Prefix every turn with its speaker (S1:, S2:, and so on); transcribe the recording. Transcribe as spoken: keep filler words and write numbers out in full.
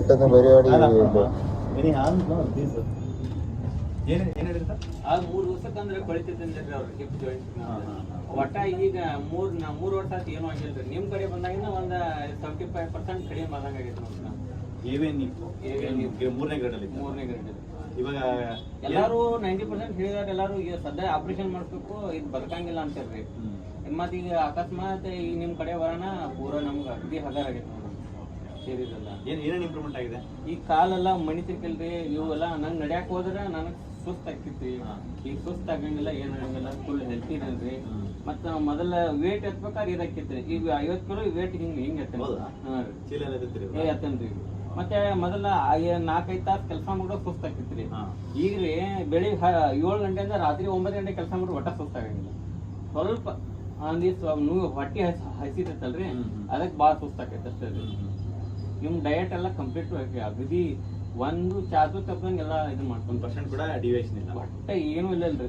S1: പെട്ടെന്ന് പരിപാടി
S2: ಮೂರು ದಿವಸಕ್ಕಂದ್ರೆ ಕೊಳಿತಿದ್ದಂದ್ರಿ ಅವ್ರು ಹಿಪ್ ಜಾಯಿಂಟ್ ಒಟ್ಟ ಈಗ ಮೂರ್ ಮೂರ್ ವರ್ಷ ಆಯ್ತು ಏನೂ ಆಗಿಲ್ರಿ ನಿಮ್ ಕಡೆ ಬಂದಾಗಿನ ಒಂದ್ ಸೆವೆಂಟಿ ಫೈವ್ ಪರ್ಸೆಂಟ್ ಕಡಿಮೆ ಆದಂಗ ಆಗೈತೆ ನಮ್ಗೆ
S3: ಮೂರನೇ ಗ್ರೇಡ್ ಅಲ್ಲಿ
S2: ಮೂರನೇ ಗ್ರೇಡ್
S3: ಇವಾಗ
S2: ಎಲ್ಲಾರು ನೈಂಟಿ ಪರ್ಸೆಂಟ್ ಹೇಳಿದಾರೆ. ಎಲ್ಲಾರು ಈಗ ಸದ್ಯ ಆಪರೇಷನ್ ಮಾಡಿಸ್ಬೇಕು ಇದು ಬದುಕಂಗಿಲ್ಲ ಅಂತಾರ್ರಿ. ಮತ್ ಈಗ ಅಕಸ್ಮಾತ್ ಈಗ ನಿಮ್ ಕಡೆ ಬರೋಣ ಪೂರಾ ನಮ್ಗೆ ಅಗದಿ ಹಗಾರ ಆಗೈತೆ ಸೇರಿದಲ್ಲ.
S3: ಏನ್ ಏನೇನ್ ಇಂಪ್ರೂವ್ಮೆಂಟ್ ಆಗಿದೆ?
S2: ಈ ಕಾಲೆಲ್ಲ ಮಣಿತಿರ್ಕಲ್ರಿ ಇವೆಲ್ಲ ನಂಗೆ ನಡ್ಯಾಕ್ ಹೋದ್ರೆ ನನಗೆ ಸುಸ್ತು ಆಗ್ತಿತ್ರಿ. ಈಗ ಸುಸ್ತು ಆಗಂಗಿಲ್ಲ ಏನ್ ಆಗಂಗಿಲ್ಲ ಫುಲ್ ಹೆಲ್ತಿ ಇದನ್ರಿ. ಮತ್ತ ಮೊದಲ ವೇಟ್ ಎತ್ಬೇಕಾದ್ರೆ ಇದಾಕಿತ್ರಿ. ಈಗ ಐವತ್ ಕಿಲೋ ವೇಟ್ ಹಿಂಗ್ ಹಿಂಗ್ ಎತ್ತ ಏ ಎತ್ತನ್ರಿ. ಮತ್ತೆ ಮೊದಲ ನಾಲ್ಕೈದು ತಾಸು ಕೆಲಸ ಮಾಡೋ ಸುಸ್ತು ಆಗ್ತಿತ್ರಿ. ಈಗ್ರಿ ಬೆಳಿಗ್ಗೆ ಏಳು ಗಂಟೆಯಿಂದ ರಾತ್ರಿ ಒಂಬತ್ತು ಗಂಟೆ ಕೆಲಸ ಮಾಡ್ರಿ ಒಟ್ಟ ಸುಸ್ತಾಗಂಗಿಲ್ಲ. ಸ್ವಲ್ಪ ಒಂದಿವ್ಸ ನೀವು ಹೊಟ್ಟೆ ಹಸಿತೈತಲ್ರಿ ಅದಕ್ಕೆ ಭಾಳ ಸುಸ್ತಾಕೈತೆ ಅಷ್ಟೇ ರೀ. ನಿಮ್ ಡಯಟ್ ಎಲ್ಲ ಕಂಪ್ಲೀಟ್ ಅಗದಿ ಒಂದು ಚಾಚು ತಪ್ಪಂಗೆಲ್ಲ ಇದು ಮಾಡ್ಕೊಂಡು
S3: ಪರ್ಸೆಂಟ್ ಕೂಡ ಡಿವಿಯೇಷನ್ ಇಲ್ಲ
S2: ಒಟ್ಟ ಏನೂ ಇಲ್ಲ ಅಲ್ರಿ.